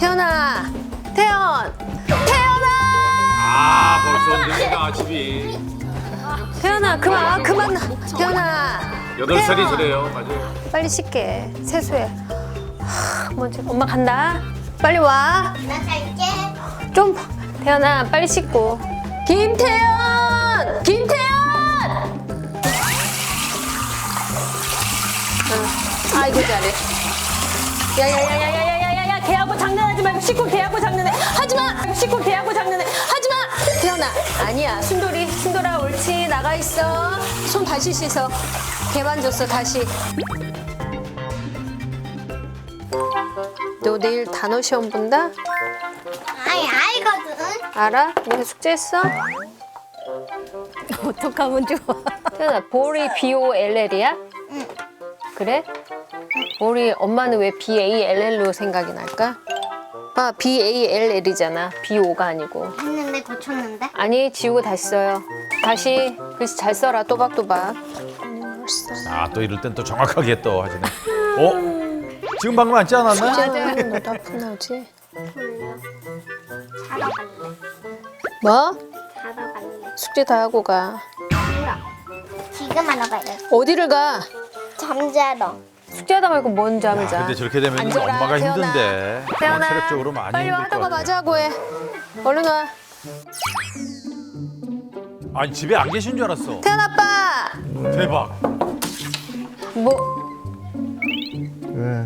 태연아, 태연아! 아, 벌써 언제나 집이. 태연아, 그만. 태연아. 8살이 저래요, 맞아요. 빨리 씻게. 세수해. 먼저 엄마 간다. 빨리 와. 나 갈게. 좀 태연아, 빨리 씻고. 김태연! 아이고 잘해. 야야야야야야야야, 걔하고 장난하지 말고 씻고 걔하고 장난해. 하지마. 씻고 걔하고 장난해. 하지마. 태연아, 아니야. 순돌아 옳지. 나가 있어. 손 다시 씻어. 걔만 줬어 다시. 너 내일 단어 시험 본다? 아이, 알거든. 알아? 너네 숙제했어? 어떡하면 좋아. 태연아, 볼이 B-O-L-L이야? 응. 그래? 우리 엄마는 왜 B-A-L-L로 생각이 날까? 아, B-A-L-L이잖아. B-O가 아니고. 했는데 고쳤는데? 아니, 지우고 다시 써요. 다시 글씨 잘 써라, 또박또박. 아, 또 이럴 땐 또 정확하게 또 하시네. 지금 방금 앉지 않았나? 맞아. 너도 아픈 나오지? 졸려. 자러 갈래. 뭐? 자러 갈래. 숙제 다 하고 가. 싫어. 지금 하러 가야 어디를 가? 잠자러. 숙제하다 말고 뭔 잠을 자. 근데 저렇게 되면 앉아라, 엄마가 태연아. 힘든데. 태연아, 체력적으로 많이 빨리 힘들 것 하다가 같아. 마자고 해. 얼른 와. 아니, 집에 안 계신 줄 알았어. 태연 아빠! 대박. 뭐, 왜?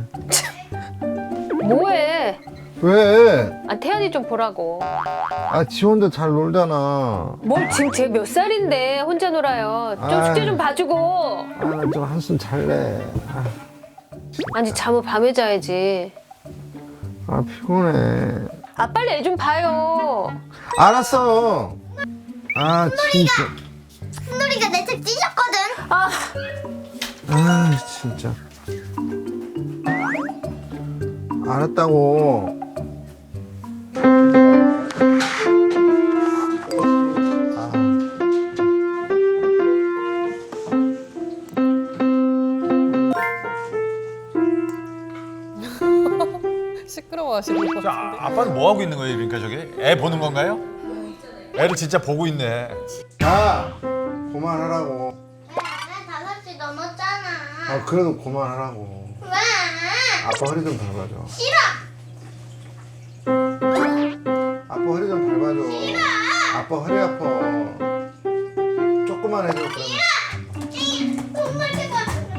뭐해? 왜? 아, 태연이 좀 보라고. 아 지원도 잘 놀잖아. 뭘 지금 쟤 몇 살인데 혼자 놀아요. 좀 아이. 숙제 좀 봐주고. 아좀 한숨 잘래. 아니, 잠을 밤에 자야지. 아 피곤해. 아, 빨리 애 좀 봐요. 알았어. 아 진짜. 순돌이가 내 책 찢었거든. 아, 아 진짜. 알았다고. 시끄러워하시는 거. 자, 아빠는 뭐 하고 있는 거예요, 그러니까 저게? 애 보는 건가요? 애를 진짜 보고 있네. 야 그만하라고. 왜? 5시 넘었잖아. 아 그래도 그만하라고. 왜? 아빠 허리 좀 밟아줘. 싫어. 아빠 허리 좀 밟아줘. 싫어. 아빠 허리 아파. 조금만 해줘 그러면. 돈 가지고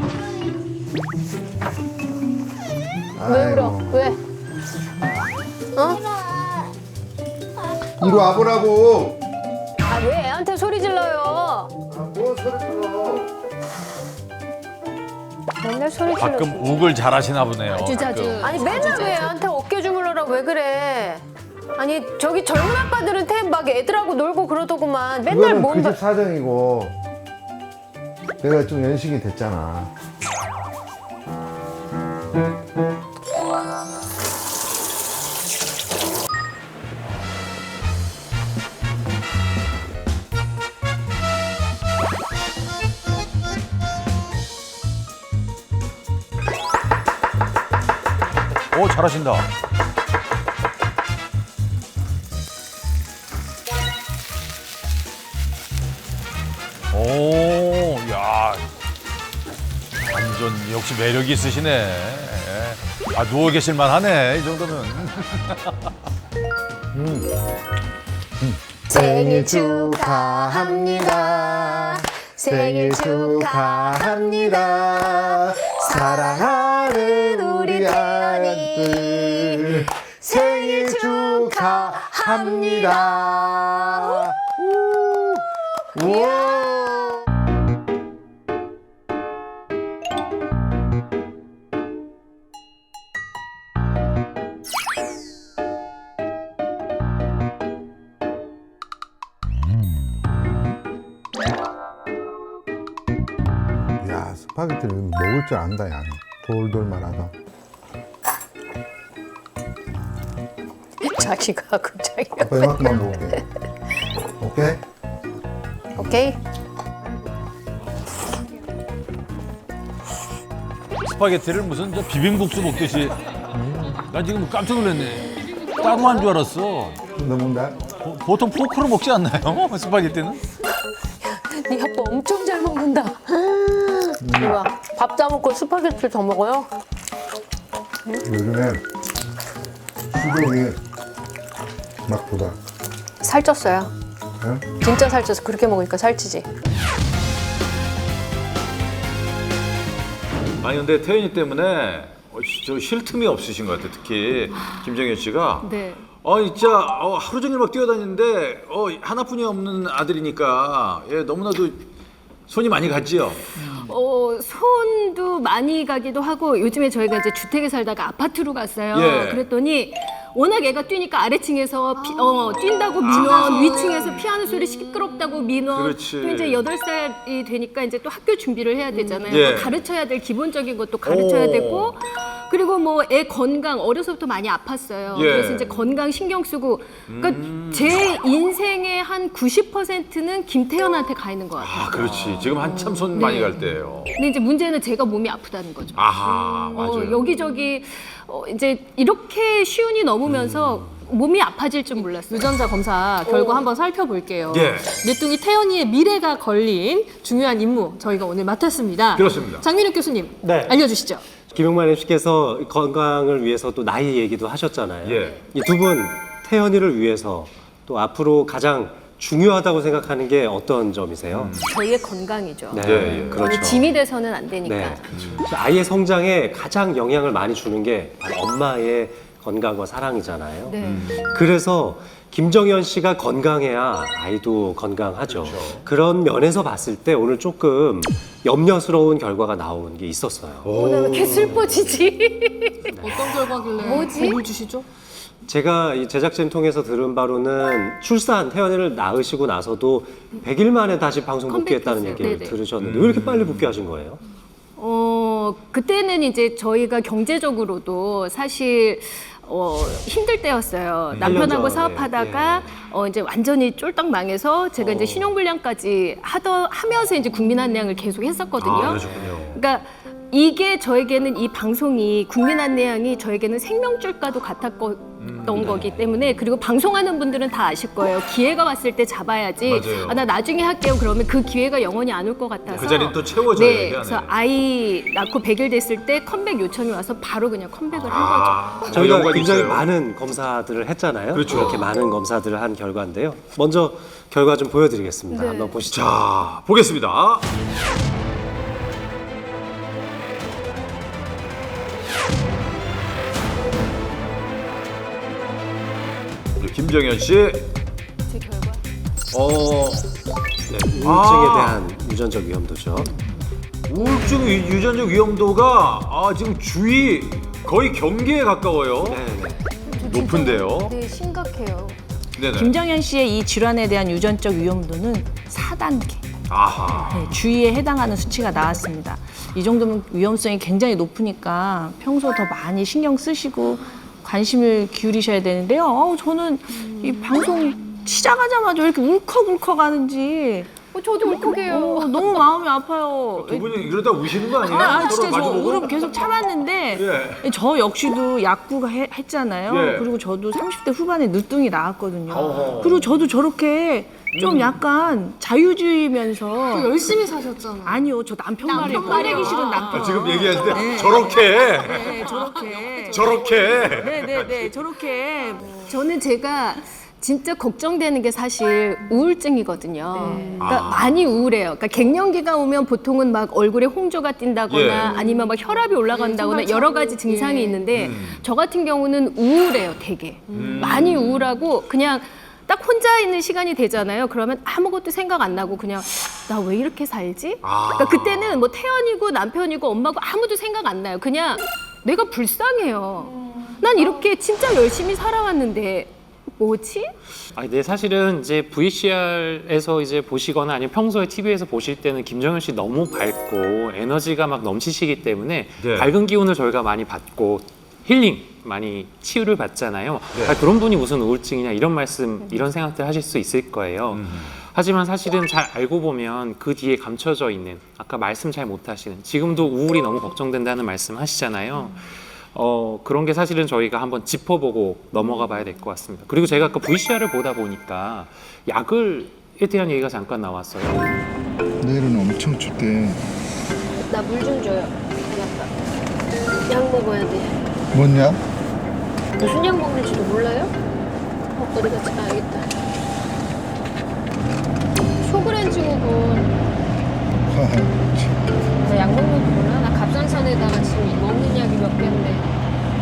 왜 울어? 아이고. 왜? 어? 이리 와보라고. 아, 왜 애한테 소리 질러요? 아뭔 소리 들어. 맨날 소리 질러. 가끔 욱을 잘하시나 보네요. 자주. 아니, 맨날 왜 애한테 어깨 주물러라 왜 그래? 아니, 저기 젊은 아빠들은 막 애들하고 놀고 그러더구만. 맨날 그거는 몸 그 집 사정이고 내가 좀 연식이 됐잖아. 오, 잘하신다. 오, 야. 완전 역시 매력이 있으시네. 아, 누워 계실만 하네, 이 정도면. 생일 축하합니다. 생일 축하합니다. 사랑하는 우리 아들 생일 축하합니다. 우와. 야 스파게티를 먹을 줄 안다 야. 돌돌 말하다. 자기가 하고 자기가. 아빠 이만큼만 먹을게. 오케이? 오케이. 스파게티를 무슨 저 비빔국수 먹듯이. 나 지금 깜짝 놀랐네. 따로 한 줄 알았어. 넘는다. 보통 포크로 먹지 않나요? 스파게티는? 네 아빠 엄청 잘 먹는다. 이거 밥 다 먹고 스파게티 더 먹어요? 요즘에 수족이 막 돋아. 살쪘어요. 응? 진짜 살쪄서 그렇게 먹으니까 살찌지. 아니 근데 태연이 때문에 저 쉴 틈이 없으신 것 같아. 특히 김정현 씨가. 네. 진짜 하루 종일 막 뛰어다니는데 하나뿐이 없는 아들이니까 너무나도 손이 많이 갔지요. 손도 많이 가기도 하고 요즘에 저희가 이제 주택에 살다가 아파트로 갔어요. 예. 그랬더니 워낙 애가 뛰니까 아래층에서 뛴다고 민원, 위층에서 피하는 소리 시끄럽다고 민원. 그렇지. 또 이제 8살이 되니까 이제 또 학교 준비를 해야 되잖아요. 예. 뭐 가르쳐야 될 기본적인 것도 가르쳐야 되고 그리고 뭐 애 건강 어려서부터 많이 아팠어요. 예. 그래서 이제 건강 신경 쓰고 그러니까 제 인생의 한 90%는 김태현한테 가 있는 것 같아요. 그렇지. 지금 한참 손 많이 갈 때예요. 근데 이제 문제는 제가 몸이 아프다는 거죠. 아하, 맞아요. 여기저기 이제 이렇게 쉬운이 넘으면서 몸이 아파질 줄 몰랐어요. 유전자 검사 결과 한번 살펴볼게요. 예. 늦둥이 태연이의 미래가 걸린 중요한 임무 저희가 오늘 맡았습니다. 그렇습니다. 장민욱 교수님 네. 알려주시죠. 김용만 MC께서 건강을 위해서 또 나이 얘기도 하셨잖아요. 예. 이 두 분 태연이를 위해서 또 앞으로 가장 중요하다고 생각하는 게 어떤 점이세요? 저희의 건강이죠. 네, 예, 예. 그렇죠. 짐이 돼서는 안 되니까. 네. 아이의 성장에 가장 영향을 많이 주는 게 바로 엄마의 건강과 사랑이잖아요. 네. 그래서 김정현 씨가 건강해야 아이도 건강하죠. 그런 면에서 봤을 때 오늘 조금 염려스러운 결과가 나온 게 있었어요. 오늘 왜 이렇게 슬퍼지지? 어떤 결과길래 뭐지? 겁을 주시죠? 제가 이 제작진 통해서 들은 바로는 출산, 태연이를 낳으시고 나서도 100일 만에 다시 방송 복귀했다는 컴백했어요. 얘기를 네네. 들으셨는데 왜 이렇게 빨리 복귀하신 거예요? 그때는 이제 저희가 경제적으로도 사실 힘들 때였어요. 남편하고 전, 사업하다가 이제 완전히 쫄딱 망해서 제가 이제 신용불량까지 하면서 이제 국민안내양을 계속 했었거든요. 그러셨군요. 그러니까 이게 저에게는 이 방송이 국민안내양이 저에게는 생명줄과도 같았던 거기 때문에 그리고 방송하는 분들은 다 아실 거예요. 기회가 왔을 때 잡아야지. 맞아요. 나 나중에 할게요. 그러면 그 기회가 영원히 안 올 것 같아서. 그 자리는 또 채워져야 네, 돼, 그래서 안에. 아이 낳고 100일 됐을 때 컴백 요청이 와서 바로 그냥 컴백을 한 거죠. 저희가 영광이 굉장히 있어요. 많은 검사들을 했잖아요. 그렇죠. 이렇게 많은 검사들을 한 결과인데요. 먼저 결과 좀 보여드리겠습니다. 네. 한번 보시죠. 자, 보겠습니다. 우리 김정현 씨. 제 결과. 네, 우울증에 아. 대한 유전적 위험도죠. 우울증 유전적 위험도가 지금 주의 거의 경계에 가까워요. 네. 높은데요. 네, 심각해요. 네네. 김정현 씨의 이 질환에 대한 유전적 위험도는 4단계. 아하. 네, 주의에 해당하는 수치가 나왔습니다. 이 정도면 위험성이 굉장히 높으니까 평소 더 많이 신경 쓰시고 관심을 기울이셔야 되는데요. 저는 이 방송 시작하자마자 왜 이렇게 울컥울컥 하는지 저도 울컥해요. 너무 마음이 아파요. 두 분이 이러다 우시는 거 아니에요? 아, 진짜 서로 저 마주보고? 울음 계속 참았는데 저 역시도 약구가 했잖아요. 예. 그리고 저도 30대 후반에 늦둥이 나왔거든요. 어허. 그리고 저도 저렇게 좀 약간 자유주의면서 열심히 사셨잖아. 아니요, 저 남편 말이에요. 꺼내기 싫은 남편. 지금 얘기하는데 저렇게 네, 저렇게. 저렇게 네네네, 저렇게. 저는 제가 진짜 걱정되는 게 사실 우울증이거든요. 그러니까 많이 우울해요. 그러니까 갱년기가 오면 보통은 막 얼굴에 홍조가 띈다거나 예. 아니면 막 혈압이 올라간다거나 여러 가지 증상이 있는데 저 같은 경우는 우울해요, 되게. 많이 우울하고 그냥 딱 혼자 있는 시간이 되잖아요. 그러면 아무것도 생각 안 나고 그냥 나 왜 이렇게 살지? 그러니까 그때는 뭐 태연이고 남편이고 엄마고 아무도 생각 안 나요. 그냥 내가 불쌍해요. 난 이렇게 진짜 열심히 살아왔는데 뭐지? 네, 사실은 이제 VCR에서 이제 보시거나 아니면 평소에 TV에서 보실 때는 김정현 씨 너무 밝고 에너지가 막 넘치시기 때문에 네. 밝은 기운을 저희가 많이 받고 힐링 많이 치유를 받잖아요. 그런 분이 무슨 우울증이냐 이런 말씀, 이런 생각들 하실 수 있을 거예요. 하지만 사실은 잘 알고 보면 그 뒤에 감춰져 있는 아까 말씀 잘 못하시는 지금도 우울이 너무 걱정된다는 말씀 하시잖아요. 그런 게 사실은 저희가 한번 짚어보고 넘어가 봐야 될 것 같습니다. 그리고 제가 아까 VCR을 보다 보니까 약을에 대한 얘기가 잠깐 나왔어요. 내일은 엄청 춥대. 나 물 좀 줘요. 약 먹어야 돼. 뭐냐? 무슨 약 먹는지도 몰라요? 어디 갔지? 아, 여기 있다. 쇼그렌즈국은 나 약 먹는 거 몰라? 나 갑상선에다가 지금 먹는 약이 몇 개인데.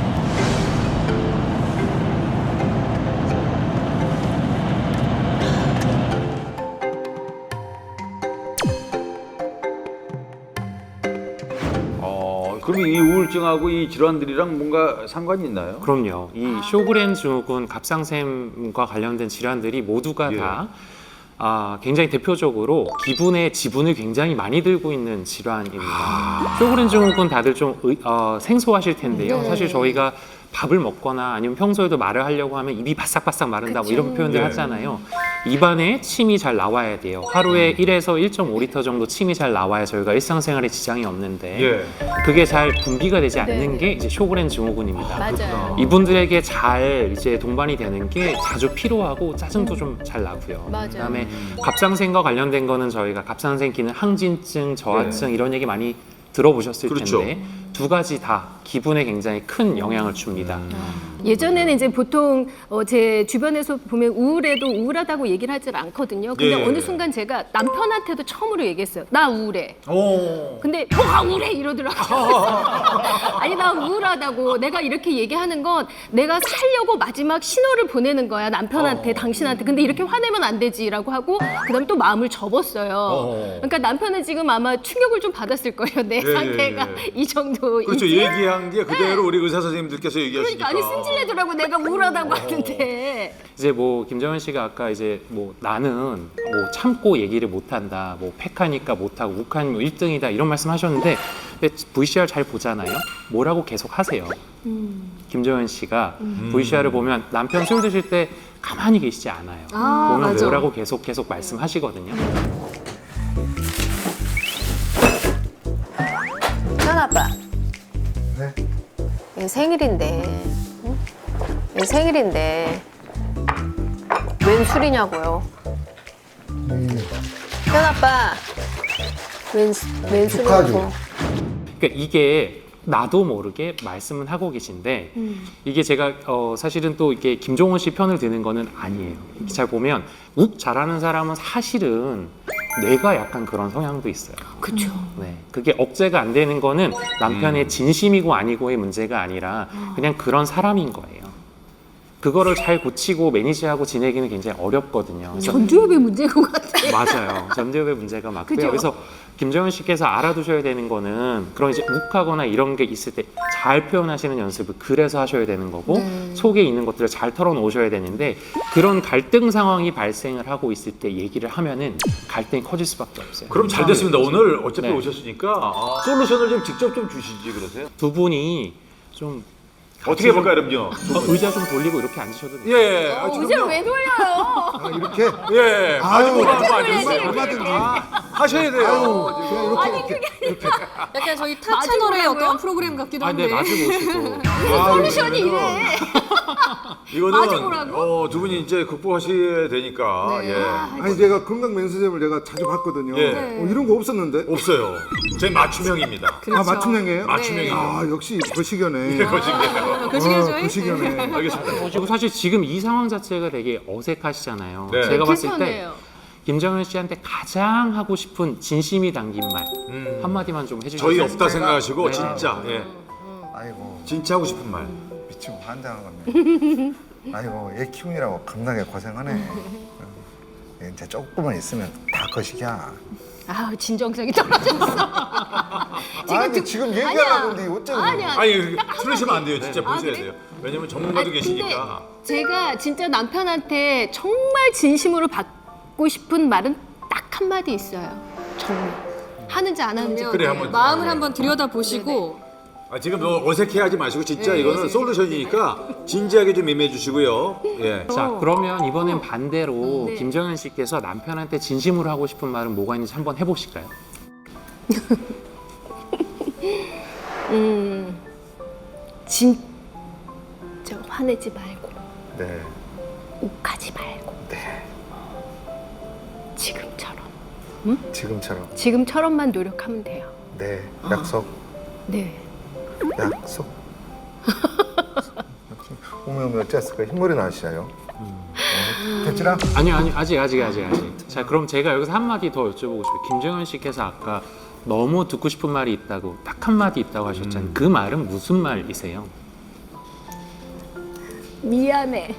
그러면 이 우울증하고 이 질환들이랑 뭔가 상관이 있나요? 그럼요. 이 쇼그렌 증후군, 갑상샘과 관련된 질환들이 모두가 예. 다 굉장히 대표적으로 기분의 지분을 굉장히 많이 들고 있는 질환입니다. 쇼그렌 증후군 다들 좀 생소하실 텐데요. 네. 사실 저희가 밥을 먹거나 아니면 평소에도 말을 하려고 하면 입이 바싹바싹 마른다 뭐 이런 표현들 예. 하잖아요. 입안에 침이 잘 나와야 돼요. 하루에 1에서 1.5리터 정도 침이 잘 나와야 저희가 일상생활에 지장이 없는데 예. 그게 잘 분비가 되지 않는 네. 게 이제 쇼그렌 증후군입니다. 맞아요. 이분들에게 잘 이제 동반이 되는 게 자주 피로하고 짜증도 좀 잘 나고요. 맞아요. 그다음에 갑상샘과 관련된 거는 저희가 갑상샘 기능 항진증, 저하증 이런 얘기 많이 들어보셨을 그렇죠. 텐데 두 가지 다 기분에 굉장히 큰 영향을 줍니다. 예전에는 이제 보통 제 주변에서 보면 우울해도 우울하다고 얘기를 하질 않거든요. 근데 예. 어느 순간 제가 남편한테도 처음으로 얘기했어요. 나 우울해. 오. 근데 뭐가 우울해 이러더라고요. 아니 나 우울하다고. 내가 이렇게 얘기하는 건 내가 살려고 마지막 신호를 보내는 거야 남편한테, 당신한테. 근데 이렇게 화내면 안 되지라고 하고 그다음 또 마음을 접었어요. 그러니까 남편은 지금 아마 충격을 좀 받았을 거예요. 내 예, 상태가 이 정도인지. 그렇죠. 얘기한 게 그대로 우리 의사 선생님들께서 얘기하시니까. 그러니까 아니 승질내더라고. 내가 우울하다고 하는데. 이제 뭐 김정은 씨가 아까 이제 뭐 나는 뭐 참고 얘기를 못한다, 뭐 팩하니까 못하고 욱하니 뭐 1등이다 이런 말씀하셨는데 VCR 잘 보잖아요. 뭐라고 계속 하세요. 김정은 씨가 VCR을 보면 남편 술 드실 때 가만히 계시지 않아요. 보면 맞아. 뭐라고 계속 말씀하시거든요. 현 아빠. 네? 얘 생일인데. 응? 얘 생일인데. 웬 술이냐고요? 현 아빠. 웬 축하하죠. 술이냐고. 그러니까 이게 나도 모르게 말씀은 하고 계신데 이게 제가 사실은 또 이게 김종원 씨 편을 드는 거는 아니에요. 이렇게 잘 보면 욱 잘하는 사람은 사실은 뇌가 약간 그런 성향도 있어요. 그렇죠. 네, 그게 억제가 안 되는 거는 남편의 진심이고 아니고의 문제가 아니라 그냥 그런 사람인 거예요. 그거를 잘 고치고 매니지하고 지내기는 굉장히 어렵거든요. 그래서 전두엽의 문제인 것 같아요. 맞아요. 전두엽의 문제가 맞고요. 그죠? 그래서 김정은 씨께서 알아두셔야 되는 거는 그런 이제 욱하거나 이런 게 있을 때 잘 표현하시는 연습을 그래서 하셔야 되는 거고 속에 있는 것들을 잘 털어놓으셔야 되는데 그런 갈등 상황이 발생을 하고 있을 때 얘기를 하면은 갈등이 커질 수밖에 없어요. 그럼 잘 됐습니다. 오늘 어차피 네. 오셨으니까 솔루션을 좀 직접 좀 주시지 그러세요? 두 분이 좀 어떻게 해볼까요, 그럼요? 의자 좀 돌리고 이렇게 앉으셔도 돼요. 예. 의자를 왜 돌려요? 아, 이렇게? 예. 아유, 얼마든지 하셔야 돼요. 약간 저희 타 채널의 어떤 프로그램 같기도 네, 마주 보시고. 솔루션이 이래. 이거는 두 분이 이제 극복하셔야 되니까. 예. 아니 제가 건강 면세점을 제가 자주 봤거든요. 예. 이런 거 없었는데? 없어요. 제 맞춤형입니다. 아 맞춤형이에요? 맞춤형이에요. 아 역시 거시기하네. 거시기하네요. 거시기하네. 알겠습니다. 그리고 사실 지금 이 상황 자체가 되게 어색하시잖아요. 네. 제가 봤을 때 불편해요. 김정은 씨한테 가장 하고 싶은 진심이 담긴 말 한마디만 좀 해주세요. 저희 없다 생각하시고 네. 진짜 아이고 진짜 하고 싶은 말. 미치고 환장하겠네. 아이고 얘 키우느라고 겁나게 고생하네. 이제 조금만 있으면 다 거시기야. 아우 진정성이 떨어졌어. 아니 지금 얘기하려고 하는데 어쩌고 아니야. 아니 틀리시면 안 돼요. 진짜 보셔야 돼요. 왜냐면 전문가도 근데 계시니까. 제가 진짜 남편한테 정말 진심으로 받고 싶은 말은 딱 한마디 있어요. 정말. 하는지 안 하는지. 그래 한번 마음을 한번 들여다 보시고 지금 너무 어색해하지 마시고 진짜 이거는 솔루션이니까 진지하게 좀 임해 주시고요. 예. 자, 그러면 이번엔 반대로 김정은 씨께서 남편한테 진심으로 하고 싶은 말은 뭐가 있는지 한번 해보실까요? 진짜 화내지 말고 네. 욱하지 말고 네. 지금처럼 지금처럼. 노력하면 돼요. 네. 약속. 네. 약속. 오면 어땠을까? 흰머리 나시나요? 됐지라? 아니요, 아직. 자, 그럼 제가 여기서 한마디 더 여쭤보고 싶어요. 김정현 씨께서 아까 너무 듣고 싶은 말이 있다고 딱 한마디 있다고 하셨잖아요. 그 말은 무슨 말이세요? 미안해.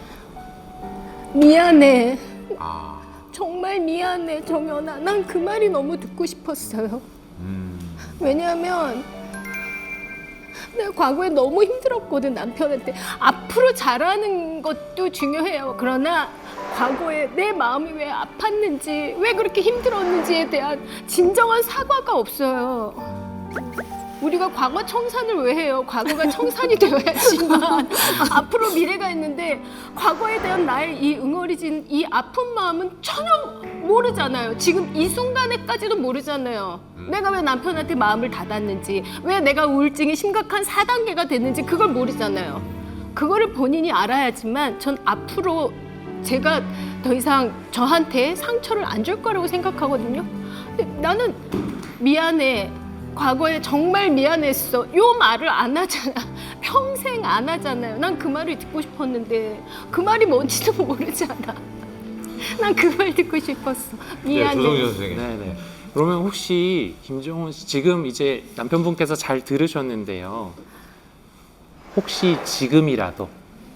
정말 미안해, 정연아. 난 그 말이 너무 듣고 싶었어요. 왜냐하면 내가 과거에 너무 힘들었거든, 남편한테. 앞으로 잘하는 것도 중요해요. 그러나 과거에 내 마음이 왜 아팠는지, 왜 그렇게 힘들었는지에 대한 진정한 사과가 없어요. 우리가 과거 청산을 왜 해요? 과거가 청산이 되어야지만 앞으로 미래가 있는데 과거에 대한 나의 이 응어리진 이 아픈 마음은 전혀 모르잖아요. 지금 이 순간에까지도 모르잖아요. 내가 왜 남편한테 마음을 닫았는지, 왜 내가 우울증이 심각한 4단계가 됐는지 그걸 모르잖아요. 그거를 본인이 알아야지만 전 앞으로 제가 더 이상 저한테 상처를 안 줄 거라고 생각하거든요. 근데 나는 미안해. 과거에 정말 미안했어. 요 말을 안 하잖아. 평생 안 하잖아요. 난 그 말을 듣고 싶었는데 그 말이 뭔지도 모르잖아. 난 그 말 듣고 싶었어. 미안해. 조성진 선생님. 네네. 그러면 혹시 김정은 씨 지금 이제 남편분께서 잘 들으셨는데요. 혹시 지금이라도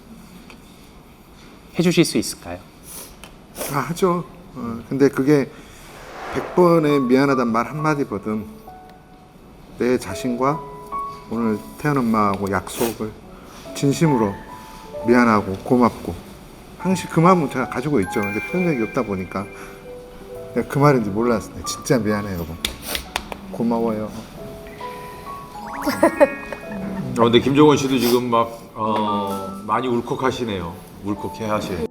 해주실 수 있을까요? 다 하죠. 근데 그게 100번의 미안하단 말 한마디거든. 내 자신과 오늘 태연 엄마하고 약속을 진심으로 미안하고 고맙고 항상 그 마음은 제가 가지고 있죠. 근데 표현 적이 없다 보니까 내가 그 말인지 몰랐어요. 진짜 미안해요, 여러분. 고마워요. 근데 김정은 씨도 지금 막 많이 울컥하시네요. 울컥해 하실.